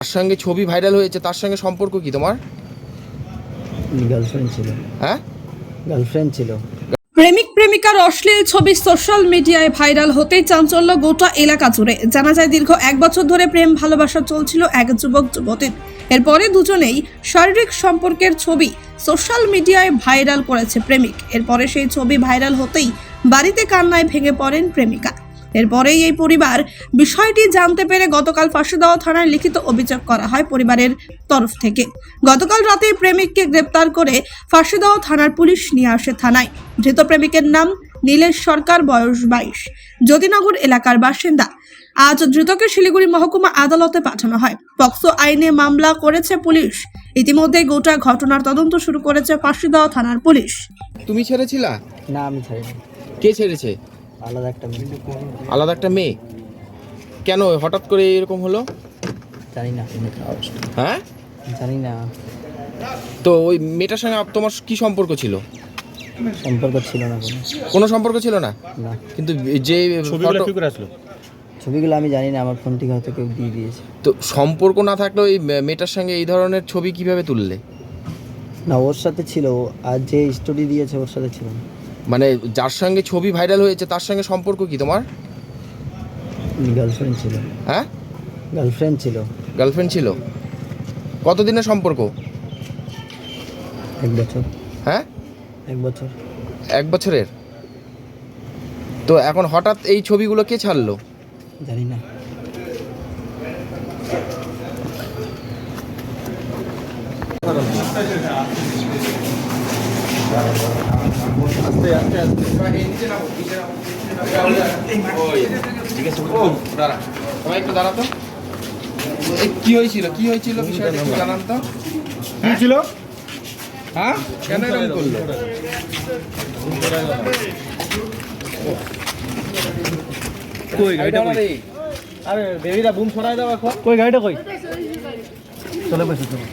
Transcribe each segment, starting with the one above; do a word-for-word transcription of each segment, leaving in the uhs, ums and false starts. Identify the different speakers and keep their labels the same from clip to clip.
Speaker 1: তার সঙ্গে ছবি ভাইরাল হয়েছে, তার সঙ্গে সম্পর্ক কি তোমার?
Speaker 2: গার্লফ্রেন্ড ছিল।
Speaker 1: হ্যাঁ,
Speaker 2: গার্লফ্রেন্ড ছিল।
Speaker 3: প্রেমিক প্রেমিকার অশ্লীল ছবি সোশ্যাল মিডিয়ায় ভাইরাল হতেই চাঞ্চল্য গোটা এলাকা জুড়ে। জানা যায় দীর্ঘ এক বছর ধরে প্রেম ভালোবাসা চলছিল এক যুবক যুবতীর। এরপরে দুজনেই শারীরিক সম্পর্কের ছবি সোশ্যাল মিডিয়ায় ভাইরাল করেছে প্রেমিক। এরপরে সেই ছবি ভাইরাল হতেই বাড়িতে কান্নায় ভেঙে পড়েন প্রেমিকা। এরপরেই এই পরিবার বিষয়টি জানতে পেরে গতকাল ফাঁসিদেওয়া থানায় লিখিত অভিযোগ করা হয় পরিবারের তরফ থেকে। গতকাল রাতে প্রেমিককে গ্রেপ্তার করে ফাঁসিদেওয়া থানার পুলিশ নিয়ে আসে থানায়। ধৃত প্রেমিকের নাম নীলেশ সরকার, বয়স বাইশ, জ্যোতিনগর এলাকার বাসিন্দা। আজ ধৃতকে শিলিগুড়ি মহকুমা আদালতে পাঠানো হয়। পক্সো আইনে মামলা করেছে পুলিশ। ইতিমধ্যে গোটা ঘটনার তদন্ত শুরু করেছে ফাঁসিদেওয়া থানার পুলিশ।
Speaker 1: তুমি ছেড়েছিলা?
Speaker 2: না, আমি ছাড়িনি।
Speaker 1: কে ছেড়েছে?
Speaker 2: আলাদা একটা মেয়ে।
Speaker 1: আলাদা একটা মেয়ে? কেন হঠাৎ করে এরকম হলো?
Speaker 2: জানি না।
Speaker 1: হ্যাঁ,
Speaker 2: জানি না।
Speaker 1: তো ওই মেয়েটার সঙ্গে আপ- তোমার কি সম্পর্ক ছিল?
Speaker 2: সম্পর্ক ছিল না কোনো।
Speaker 1: কোনো সম্পর্ক ছিল না,
Speaker 2: না।
Speaker 1: কিন্তু যে
Speaker 4: ছবিগুলো
Speaker 1: photo-
Speaker 4: কি করে আসলো?
Speaker 2: ছবিগুলো আমি জানি না, আমার ফোন থেকে হয়তো কেউ দিয়ে দিয়েছে।
Speaker 1: তো সম্পর্ক না থাকলেও এই মেয়েটার সঙ্গে এই ধরনের ছবি কিভাবে তুললে?
Speaker 2: না, ওর সাথে ছিল। আর যে স্টোরি দিয়েছে ওর সাথে ছিল না।
Speaker 1: মানে যার সঙ্গে ছবি ভাইরাল হয়েছে তার সঙ্গে সম্পর্ক কি তোমার?
Speaker 2: গার্লফ্রেন্ড ছিল।
Speaker 1: হ্যাঁ,
Speaker 2: গার্লফ্রেন্ড ছিল।
Speaker 1: গার্লফ্রেন্ড ছিল। কতদিনের সম্পর্ক?
Speaker 2: এক বছর।
Speaker 1: হ্যাঁ,
Speaker 2: এক বছর।
Speaker 1: এক বছরের। তো এখন হঠাৎ এই ছবিগুলো কে ছাড়লো?
Speaker 2: জানি না।
Speaker 1: সবাই একটু দাঁড়াতো। এই কি হয়েছিল, কি হয়েছিল বিষয়টা একটু জানান তো।
Speaker 4: কি ছিল?
Speaker 1: হ্যাঁ, কেন এরকম করলো?
Speaker 4: কই গাড়িটা কই? আরে বেবিরা বুম ছড়ায় দাও এখন। কই গাড়িটা কই? চলে বসে চলো।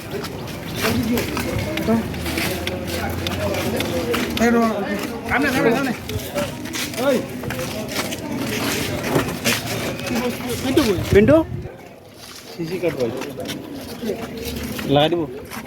Speaker 4: সামনে সামনে সামনে। ওই পিন্টু কই? পিন্টু সিসি কার্ড কই? লাগাই দিব।